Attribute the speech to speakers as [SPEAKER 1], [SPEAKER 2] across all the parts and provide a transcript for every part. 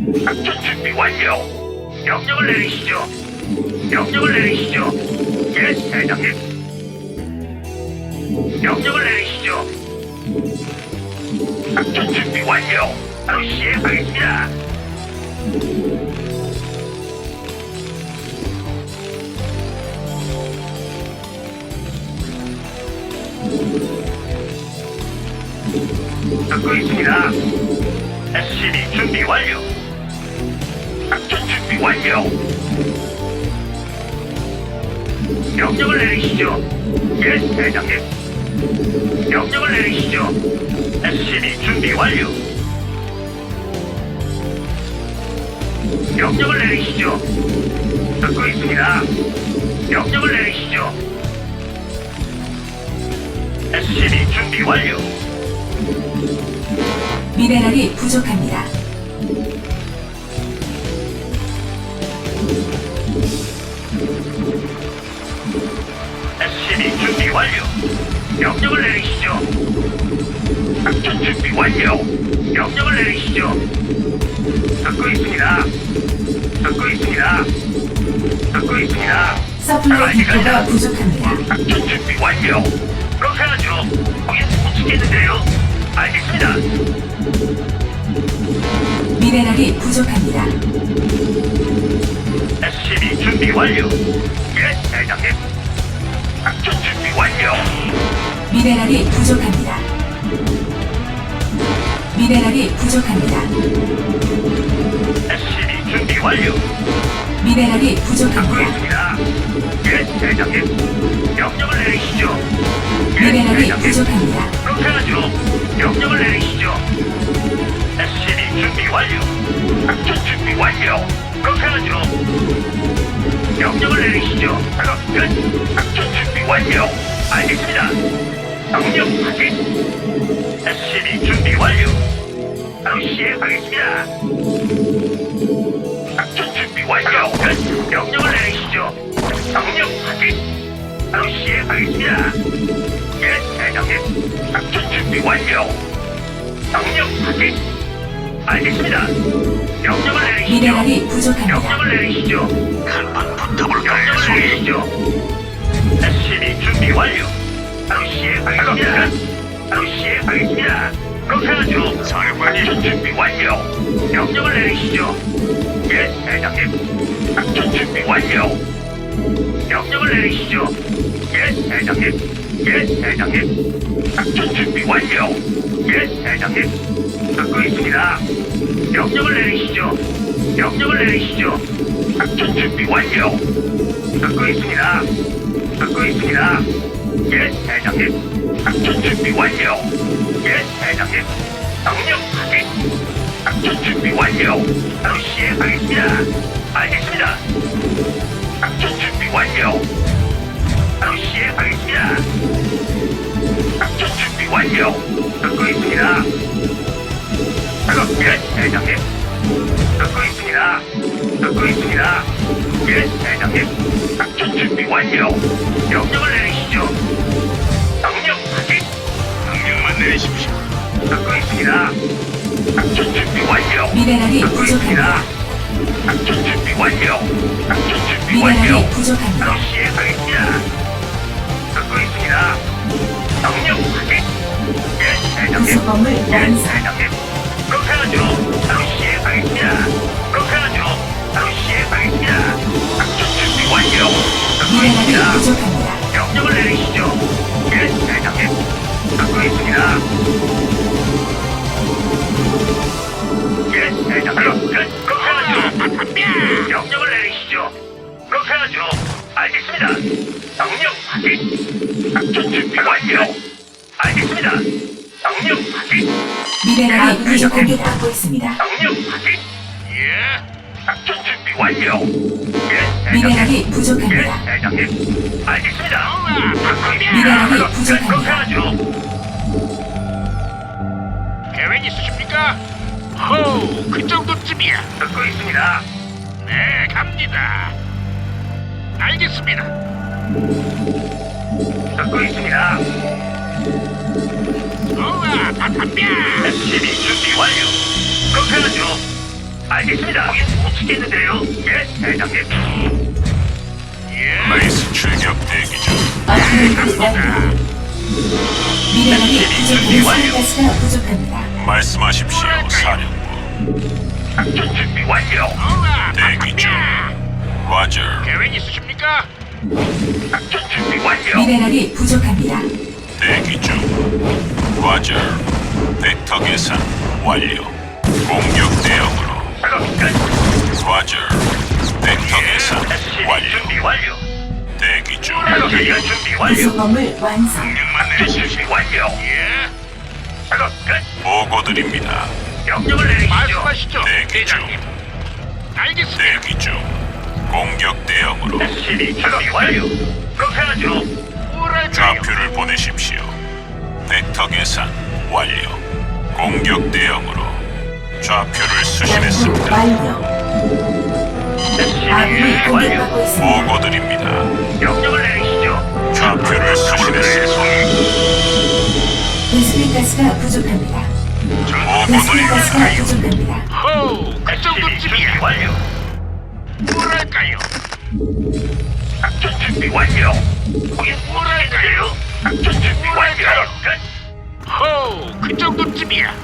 [SPEAKER 1] 작전 준비 완료. 명령을 내리시죠. 명령을 내리시죠. 예, 대장님. 명령을 내리시죠. 작전 준비 완료. 바로 시행하겠습니다. 듣고 있습니다. SCB 준비 완료. 작전 준비 완료. 명령을 내리시죠. 예, 대장님. 명령을 내리시죠. SCB 준비 완료. 명령을 내리시죠. 듣고 있습니다. 명령을 내리시죠. SCB 준비 완료.
[SPEAKER 2] 미네랄이 부족합니다.
[SPEAKER 1] SCB 준비 완료. 명령을 내리시죠. 작전 준비 완료. 명령을 내리시죠. 듣고 있습니다. 듣고 있습니다. 듣고 있습니다.
[SPEAKER 2] 서플라이 디포가 부족합니다.
[SPEAKER 1] 작전 준비 완료. 그렇게 하죠. 거긴 못 치겠는데요. 알겠습니다.
[SPEAKER 2] 미네랄이 부족합니다.
[SPEAKER 1] SCB 준비 완료. 예, 대장님. 작전 준비 완료.
[SPEAKER 2] 미네랄이 부족합니다. 미네랄이 부족합니다.
[SPEAKER 1] SCB 준비 완료.
[SPEAKER 2] 미네랄이
[SPEAKER 1] 듣고
[SPEAKER 2] 부족합니다.
[SPEAKER 1] 있습니다. 예, 대장님. 명령을 내리시죠. 예,
[SPEAKER 2] 미네랄이
[SPEAKER 1] 대장님.
[SPEAKER 2] 부족합니다.
[SPEAKER 1] 그렇게 하죠. 명령을 내리시죠. SCB 준비 완료. 작전 준비 완료. 그렇게 하죠. 명령을 내리시죠. 작업 끝. 작전 준비 완료. 알겠습니다. 명령 확인. SCB 준비 완료. 바로 시행하겠습니다. 작전 준비 완료. 끝. 명령을 내리시죠. 명령 확인. 바로 시행하겠습니다. 예, 대장님. 작전 준비 완료. 명령 확인. 알겠습니다. 명령을 내리시죠.
[SPEAKER 2] 미네랄이 부족합니다.
[SPEAKER 1] 명령을 내리시죠. 한번 붙어볼까요? 명령을 내리시죠. SCB 준비 완료. 바로 시행하겠습니다. 바로 시행하겠습니다. 그렇게 하죠. 작전 준비 완료. 명령을 내리시죠. 예, 대장님. 작전 준비 완료. 명령을 내리시죠. 예, 대장님. 예, 대장님. 작전 준비 완료. 예, 대장님. 듣고 있습니다. 명령을 내리시죠. 명령을 내리시죠. 작전 준비 완료. 듣고 있습니다. 듣고 있습니다. 예, 대장님. 작전 준비 완료. 예, 대장님. 명령 확인. 작전 준비 완료. 바로 시행하겠습니다. 알겠습니다. 작전 준비 완료. 바로 시행하겠습니다. 작전 준비 완료. 듣고 있습니다. 작업 끝, 대장님. 듣고 있습니다. 듣고 있습니다. 예, 대장님. 작전 준비 완료. 명령을 내리시죠. 명령 확인. 명령만 내리십시오. 듣고 있습니다. 작전 준비 완료.
[SPEAKER 2] 미네랄이
[SPEAKER 1] 듣고
[SPEAKER 2] 부족합니다.
[SPEAKER 1] 있습니다. 작전 준비 완료. 작전 준비 완료.
[SPEAKER 2] 미네랄이 부족합니다.
[SPEAKER 1] 바로 시행하겠습니다. 듣고 있습니다. 명령 확인. 예, 대장님.
[SPEAKER 2] 구성범을
[SPEAKER 1] 예,
[SPEAKER 2] 완성.
[SPEAKER 1] 대장님. 그렇게 하죠. 바로 시행하겠습니다. 그렇게 하죠. 바로 시행하겠습니다. 작전 준비 완료. 듣고
[SPEAKER 2] 미네랄이
[SPEAKER 1] 있습니다.
[SPEAKER 2] 부족합니다.
[SPEAKER 1] 명령을 내리시죠. 예, 대장님. 듣고 있습니다. 예, 대장님. 끝. 그렇게 하죠. 명령을 내리시죠. 그렇게 하죠. 알겠습니다. 명령 확인. 작전 준비 완료. 알겠습니다. 명령 확인.
[SPEAKER 2] 미네랄이
[SPEAKER 1] 예,
[SPEAKER 2] 부족합니다. 하고 있습니다.
[SPEAKER 1] 명령 확인. 예. 작전 준비 완료. 예, 대장님.
[SPEAKER 2] 미네랄이
[SPEAKER 1] 예,
[SPEAKER 2] 부족합니다.
[SPEAKER 1] 대장님. 알겠습니다.
[SPEAKER 2] 미네랄이
[SPEAKER 1] 그렇게
[SPEAKER 2] 부족합니다.
[SPEAKER 1] 하죠.
[SPEAKER 3] 계획 있으십니까? 호우, 그 정도쯤이야.
[SPEAKER 1] 듣고 있습니다.
[SPEAKER 3] 네, 갑니다. 알겠습니다.
[SPEAKER 1] 듣고 있습니다.
[SPEAKER 3] 좋아, 다 덤벼.
[SPEAKER 1] SCB 준비 완료. 그렇게 하죠. 알겠습니다. 못 치겠는데요. 예, 대장님.
[SPEAKER 3] 레이스 출격 대기 중.
[SPEAKER 2] 업그레이드 완료. 미네랄이 부족합니다. 가스가 부족합니다.
[SPEAKER 3] 말씀하십시오, 사령부.
[SPEAKER 1] 작전 준비 완료.
[SPEAKER 3] 대기 중. 와저. 계획 있으십니까?
[SPEAKER 1] 작전 준비 완료.
[SPEAKER 2] 미네랄이 부족합니다.
[SPEAKER 3] 대기 중. 와저. 벡터 계산 완료. 공격 대응으로.
[SPEAKER 1] 작업 끝.
[SPEAKER 3] 와저. 벡터 계산
[SPEAKER 1] SCB
[SPEAKER 3] 완료.
[SPEAKER 1] 준비 완료.
[SPEAKER 3] 대기 중.
[SPEAKER 1] 작전 준비 완료.
[SPEAKER 2] 구성범을 완성.
[SPEAKER 1] 명령만 내리시지 완료. 예. 작업 끝.
[SPEAKER 3] 보고 드립니다.
[SPEAKER 1] 명령을 내리시죠.
[SPEAKER 3] 말씀하시죠, 대장님. 알겠습니다. 대기 중. 공격 대응으로.
[SPEAKER 1] SCB 준비 완료. 그렇게 하죠.
[SPEAKER 3] 뭐랄까요? 좌표를 보내십시오. 벡터 계산 완료. 공격 대응으로. 좌표를
[SPEAKER 2] 연구
[SPEAKER 3] 수신했습니다.
[SPEAKER 2] 완료.
[SPEAKER 1] SCB
[SPEAKER 2] 아군이
[SPEAKER 1] 준비 완료.
[SPEAKER 2] 공격받고 있습니다.
[SPEAKER 3] 보고 드립니다.
[SPEAKER 1] 명령을 내리시죠.
[SPEAKER 3] 좌표를 수신했습니다.
[SPEAKER 2] 베스핀 가스가 부족합니다.
[SPEAKER 3] 보고
[SPEAKER 2] 베스핀 가스가
[SPEAKER 3] 드립니다.
[SPEAKER 2] 부족합니다.
[SPEAKER 3] 호우, 그
[SPEAKER 1] SCB 준비
[SPEAKER 3] 정도쯤이야.
[SPEAKER 1] 완료.
[SPEAKER 3] 뭐랄까요?
[SPEAKER 1] 작전 준비 완료. 거긴 뭐랄까요? 작전 준비 완료. 끝.
[SPEAKER 3] 호우, 그 정도쯤이야.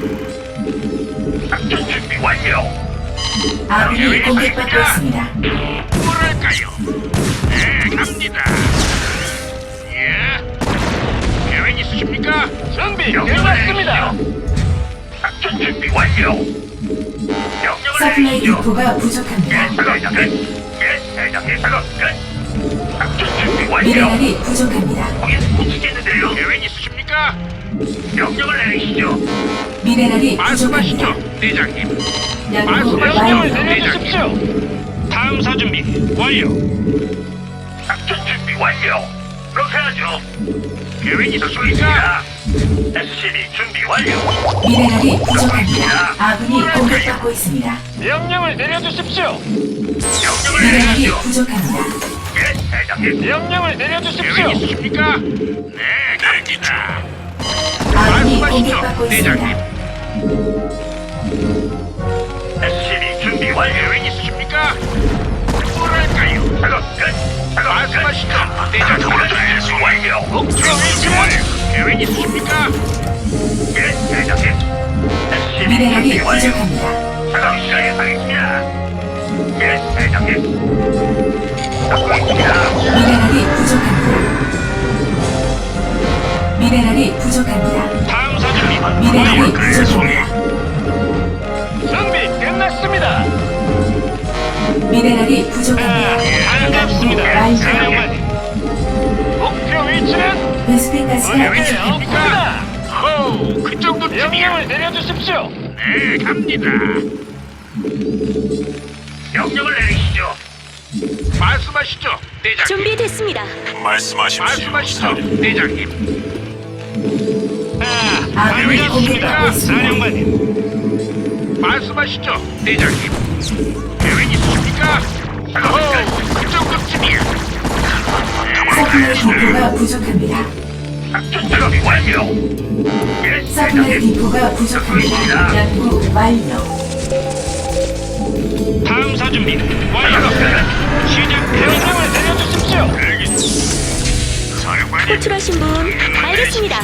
[SPEAKER 1] 작전 준비 완료.
[SPEAKER 2] 아군이 공격받고 있습니다.
[SPEAKER 3] 뭐랄까요? 네, 갑니다. 예? 계획 있으십니까? 준비
[SPEAKER 1] 끝났습니다. 작전 준비 완료. 명령을
[SPEAKER 2] 서플라이
[SPEAKER 1] 내리시죠.
[SPEAKER 2] 디포가 부족합니다.
[SPEAKER 1] 예, 작업 끝. 예, 대장님 작업 끝. 작전 준비 완료.
[SPEAKER 2] 미네랄이 부족합니다.
[SPEAKER 1] 거긴 못 치겠는데요.
[SPEAKER 3] 계획 있으십니까?
[SPEAKER 1] 명령을 내리시죠.
[SPEAKER 2] 미네랄이
[SPEAKER 3] 말씀하시죠,
[SPEAKER 2] 부족합니다.
[SPEAKER 3] 대장님.
[SPEAKER 2] 연구
[SPEAKER 3] 말씀하시죠,
[SPEAKER 2] 완료.
[SPEAKER 3] 대장님. 탐사 준비 완료.
[SPEAKER 1] 작전 준비 완료. 그렇게 하죠.
[SPEAKER 3] 계획 있으십니까?
[SPEAKER 1] 있습니다. SCB 준비 완료.
[SPEAKER 2] 미네랄이 부족합니다. 아군이 공격받고 있습니다.
[SPEAKER 4] 명령을 내려주십시오.
[SPEAKER 1] 명령을
[SPEAKER 2] 미네랄이
[SPEAKER 1] 내리시죠.
[SPEAKER 2] 부족합니다.
[SPEAKER 1] 예, 대장님.
[SPEAKER 4] 명령을 내려주십시오.
[SPEAKER 3] 계획 있으십니까? 네, 대기 중.
[SPEAKER 2] 아군이
[SPEAKER 3] 말씀하시죠,
[SPEAKER 2] 공격받고
[SPEAKER 3] 대장님.
[SPEAKER 2] 있습니다.
[SPEAKER 1] SCB 준비 완료.
[SPEAKER 3] 계획 있으십니까? 뭐랄까요?
[SPEAKER 1] 작업 끝. 작업
[SPEAKER 3] 말씀하시죠,
[SPEAKER 1] 끝.
[SPEAKER 3] 대장님.
[SPEAKER 1] 준비 완료.
[SPEAKER 3] 목표 위치는 계획 있으십니까?
[SPEAKER 1] 예, 대장님. SCB
[SPEAKER 2] 미네랄이
[SPEAKER 1] 준비 완료.
[SPEAKER 2] 부족합니다.
[SPEAKER 1] 작업 시작하겠습니다. 예, 대장님. 듣고 있습니다.
[SPEAKER 2] 미네랄이 부족합니다. 미네랄이 부족합니다.
[SPEAKER 3] 탐사 준비
[SPEAKER 2] 미네랄이
[SPEAKER 3] 완료.
[SPEAKER 2] 부족합니다.
[SPEAKER 4] 준비 끝났습니다.
[SPEAKER 2] 미네랄이 부족합니다.
[SPEAKER 4] 반갑습니다.
[SPEAKER 2] 완료.
[SPEAKER 4] 사령관님. 목표 위치는
[SPEAKER 2] 베스핀 가스가
[SPEAKER 3] 계획
[SPEAKER 2] 부족합니다.
[SPEAKER 3] 있으십니까? 호우, 그 정도쯤이야.
[SPEAKER 4] 명령을 내려주십시오.
[SPEAKER 3] 네, 갑니다.
[SPEAKER 1] 명령을 내리시죠.
[SPEAKER 3] 말씀하시죠, 대장님.
[SPEAKER 5] 준비됐습니다.
[SPEAKER 3] 말씀하시죠, 대장님.
[SPEAKER 2] 아군이
[SPEAKER 3] 계획
[SPEAKER 2] 공격받고
[SPEAKER 3] 있으십니까,
[SPEAKER 2] 있습니다.
[SPEAKER 3] 사령관님? 말씀하시죠, 대장님. 계획 있으십니까? 호우, 그 정도쯤이야.
[SPEAKER 2] 서플라이 디포가 부족합니다.
[SPEAKER 1] 작전 준비 완료. 예,
[SPEAKER 2] 서플라이
[SPEAKER 1] 대장님.
[SPEAKER 2] 디포가 부족합니다. 연구 완료.
[SPEAKER 3] 탐사 준비
[SPEAKER 1] 작업
[SPEAKER 3] 완료.
[SPEAKER 1] 끝.
[SPEAKER 3] 시작.
[SPEAKER 4] 명령을 내려주십시오.
[SPEAKER 3] 사령관님.
[SPEAKER 5] 호출하신 분 알겠습니다.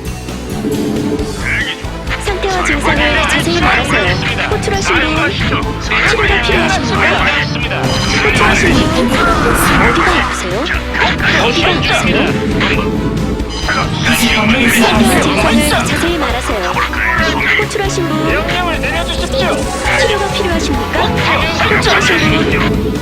[SPEAKER 5] 상태와 증상을 자세히 말하세요. 호출하신 분
[SPEAKER 3] 말씀하시죠,
[SPEAKER 5] 치료가 필요하십니까?
[SPEAKER 4] 알겠습니다.
[SPEAKER 5] 호출하신 분
[SPEAKER 2] 공격받고 있습니다.
[SPEAKER 5] 어디가 아프세요? 어디가 아프세요?
[SPEAKER 2] 구성범을
[SPEAKER 5] 상태와 증상을
[SPEAKER 2] 완성.
[SPEAKER 5] 자세히 말하세요. 호출하신 분
[SPEAKER 4] 명령을 내려주십시오.
[SPEAKER 5] 치료가 필요하십니까? 호출하신 분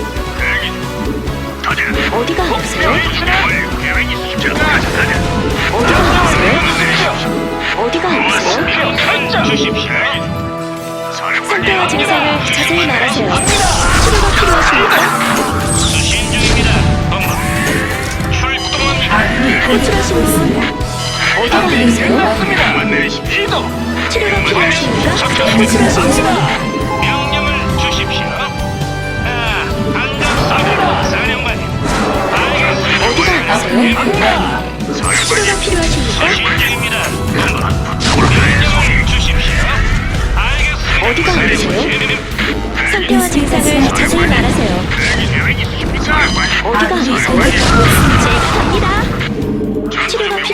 [SPEAKER 5] 어디가 아프세요?
[SPEAKER 3] 계획 있으십니까?
[SPEAKER 5] 어디가 아프세요? 어디가 아프세요?
[SPEAKER 4] 목표 설정.
[SPEAKER 3] 주십시오.
[SPEAKER 5] 상태와 증상을 자세히 말하세요. 치료가 필요하십니까?
[SPEAKER 3] 수신 중입니다. 본부. 출동합니다.
[SPEAKER 2] 아군이 공격받고 있습니다.
[SPEAKER 5] 어디가 아프세요?
[SPEAKER 4] 끝났습니다.
[SPEAKER 3] 내리십시오.
[SPEAKER 4] 이동.
[SPEAKER 5] 치료가 필요하십니까?
[SPEAKER 2] 호출하신 분
[SPEAKER 3] 명령을 주십시오. 반갑습니다. 사령관님. 알겠습니다.
[SPEAKER 5] 어디가 아프세요?
[SPEAKER 4] 갑니다.
[SPEAKER 5] 치료가 필요하십니까?
[SPEAKER 3] 수신 중입니다. 본부. 명령을 주십시오. 알겠습니다.
[SPEAKER 5] 어디가 아프세요?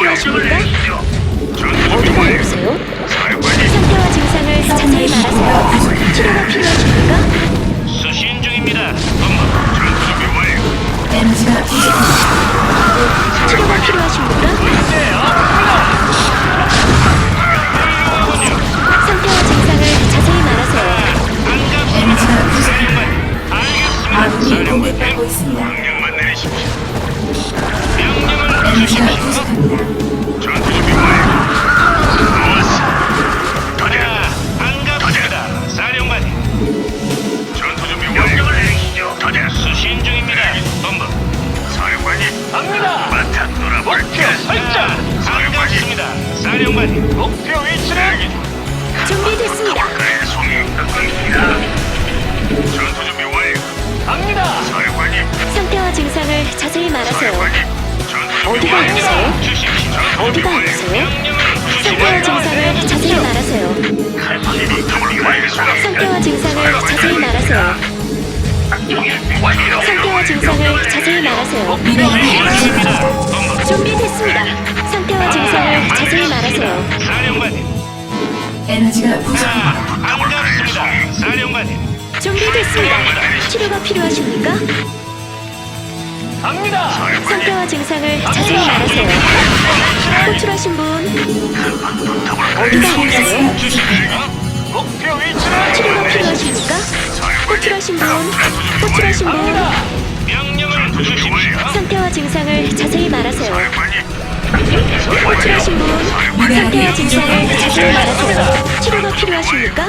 [SPEAKER 5] 필요하십니까?
[SPEAKER 1] 전투 준비
[SPEAKER 5] 어디가
[SPEAKER 1] 완료.
[SPEAKER 5] 아프세요?
[SPEAKER 1] 사령관님.
[SPEAKER 5] 상태와 증상을 자세히 말하세요. 치료가 필요하십니까?
[SPEAKER 3] 수신 중입니다. 본부.
[SPEAKER 1] 전투 준비 완료.
[SPEAKER 2] 에너지가 부족합니다.
[SPEAKER 5] 치료가 필요하십니까? 상태와 증상을 자세히 말하세요.
[SPEAKER 2] 에너지가 부족합니다.
[SPEAKER 3] 알겠습니다.
[SPEAKER 2] 아군이 공격받고 있습니다.
[SPEAKER 1] 명령만 내리십시오.
[SPEAKER 3] 명령을
[SPEAKER 2] 에너지가
[SPEAKER 3] 주십시오.
[SPEAKER 2] 부족합니다.
[SPEAKER 1] 전투 준비 완료. 좋았어. 가자.
[SPEAKER 3] 반갑습니다. 사령관님.
[SPEAKER 1] 전투 준비 완료. 명령을 내리시죠. 가자.
[SPEAKER 3] 수신 중입니다. 본부.
[SPEAKER 1] 사령관님.
[SPEAKER 4] 갑니다.
[SPEAKER 1] 바탕
[SPEAKER 4] 목표
[SPEAKER 1] 놀아볼까?
[SPEAKER 4] 설정.
[SPEAKER 3] 반갑습니다. 사령관님.
[SPEAKER 4] 목표 위치는
[SPEAKER 5] 준비됐습니다.
[SPEAKER 1] 그래, 송이 듣고 있습니다. 전투 준비 완료.
[SPEAKER 4] 갑니다.
[SPEAKER 1] 사령관님.
[SPEAKER 5] 상태와 증상을 자세히 말하세요.
[SPEAKER 1] 사령관님. 전투 준비
[SPEAKER 5] 어디가
[SPEAKER 1] 완료.
[SPEAKER 5] 아프세요?
[SPEAKER 3] 주십시오.
[SPEAKER 5] 어디가 아프세요?
[SPEAKER 3] 명령을
[SPEAKER 5] 상태와
[SPEAKER 3] 주십시오.
[SPEAKER 5] 증상을 자세히 말하세요.
[SPEAKER 1] SCB 준비 완료.
[SPEAKER 5] 상태와 증상을 자세히 말하세요.
[SPEAKER 1] 작전 준비 완료.
[SPEAKER 5] 상태와 증상을 자세히 말하세요.
[SPEAKER 3] 수신입니다. 본부.
[SPEAKER 5] 준비됐습니다. 상태와 증상을 자세히 말하세요.
[SPEAKER 3] 사령관님.
[SPEAKER 2] 에너지가 부족합니다.
[SPEAKER 3] 반갑습니다. 사령관님.
[SPEAKER 5] 준비됐습니다. 치료가 필요하십니까?
[SPEAKER 4] 갑니다.
[SPEAKER 5] 상태와 증상을 자세히 말하세요. 호출하신 분 어디가 아프세요?
[SPEAKER 3] 주십시오.
[SPEAKER 4] 목표 위치는
[SPEAKER 5] 치료가 필요하십니까? 호출하신 분 호출하신 분
[SPEAKER 4] 갑니다.
[SPEAKER 3] 명령을 주십시오.
[SPEAKER 5] 상태와 증상을 자세히 말하세요.
[SPEAKER 1] 사령관님.
[SPEAKER 5] 호출하신 분 상태와 증상을 자세히 말하세요. 치료가 필요하십니까?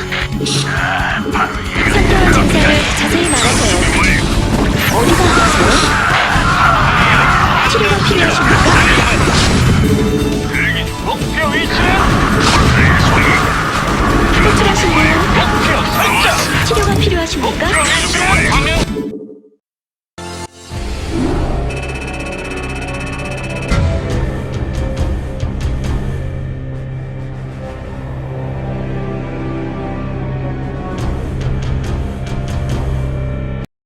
[SPEAKER 5] 상태와 증상을 자세히 말하세요. 어디가 아프세요? 치료가 필요하십니까?
[SPEAKER 4] 목표 위치는
[SPEAKER 5] 호출하신 분
[SPEAKER 4] 목표 설정.
[SPEAKER 5] 치료가 필요하십니까?